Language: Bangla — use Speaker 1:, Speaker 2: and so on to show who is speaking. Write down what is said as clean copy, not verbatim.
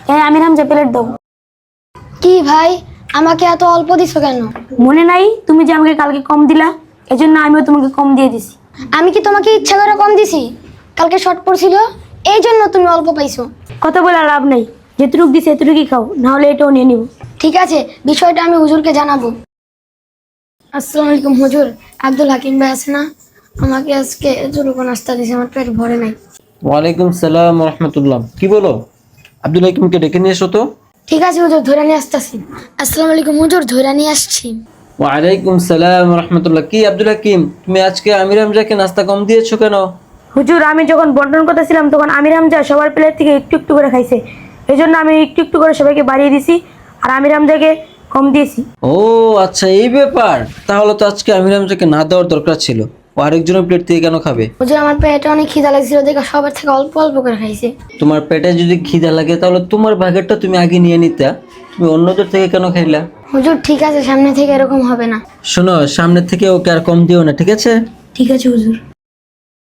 Speaker 1: আমির হামজা প্লেট দাও।
Speaker 2: কি ভাই, আমাকে এত অল্প দিছো কেন?
Speaker 1: মনে নাই তুমি যে আমাকে কালকে কম দিলা, এজন্য আমিও তোমাকে কম দিয়ে দিছি।
Speaker 2: আমি কি তোমাকে ইচ্ছা করে কম দিছি? কালকে শর্ট পড়ছিল, এই জন্য তুমি অল্প পাইছো।
Speaker 1: কথা বলে আর লাভ নেই, যেটুকু দিছে এতটুকুই খাও, না হলে এটাও নিয়ে নিব।
Speaker 2: ঠিক আছে, বিষয়টা আমি হুজুরকে জানাবো। আসসালামু আলাইকুম হুজুর, আব্দুল হাকিম ভাই আছে না? আমাকে আজকে জোরকো নাস্তা দিয়েছে, আমার পেট ভরে নাই।
Speaker 3: ওয়ালাইকুম সালাম রহমতুল্লাহ। কি বলো? আব্দুল হাকিমকে ডেকে নিয়ে এসো তো।
Speaker 2: ঠিক আছে হুজুর, ধরে নিয়ে আসতেছি। আসসালামু আলাইকুম হুজুর, ধরে নিয়ে আসছি।
Speaker 3: ওয়ালাইকুম সালাম রহমতুল্লাহ। কি আব্দুল হাকিম, তুমি আজকে আমির হামজাকে নাস্তা কম দিয়েছো কেন?
Speaker 1: হুজুর, আমি যখন বন্টন করতেছিলাম তখন আমির হামজা সবার প্লেট থেকে একটু একটু করে খাইছে, এই জন্য আমি একটু একটু করে সবাইকে বাড়িয়ে দিছি আর আমির হামজাকে কম দিয়েছি।
Speaker 3: ও আচ্ছা, এই ব্যাপার। তাহলে তো আজকে আমির হামজাকে না দেওয়ার দরকার ছিল। ও আরেকজনের প্লেট থেকে কেন খাবে?
Speaker 2: হুজুর, আমার পেটে অনেক খিদা লাগছিল দেখে সবার থেকে অল্প অল্প করে খাইছে।
Speaker 3: তোমার পেটে যদি খিদা লাগে তাহলে তোমার ভাগেরটা তুমি আগে নিয়ে নিতা। তুমি অন্যদের থেকে কেন খাইলা?
Speaker 2: হুজুর ঠিক আছে, সামনে থেকে এরকম হবে না।
Speaker 3: শোনো, সামনে থেকে ওকে আর কম দিও না, ঠিক আছে?
Speaker 1: ঠিক আছে হুজুর।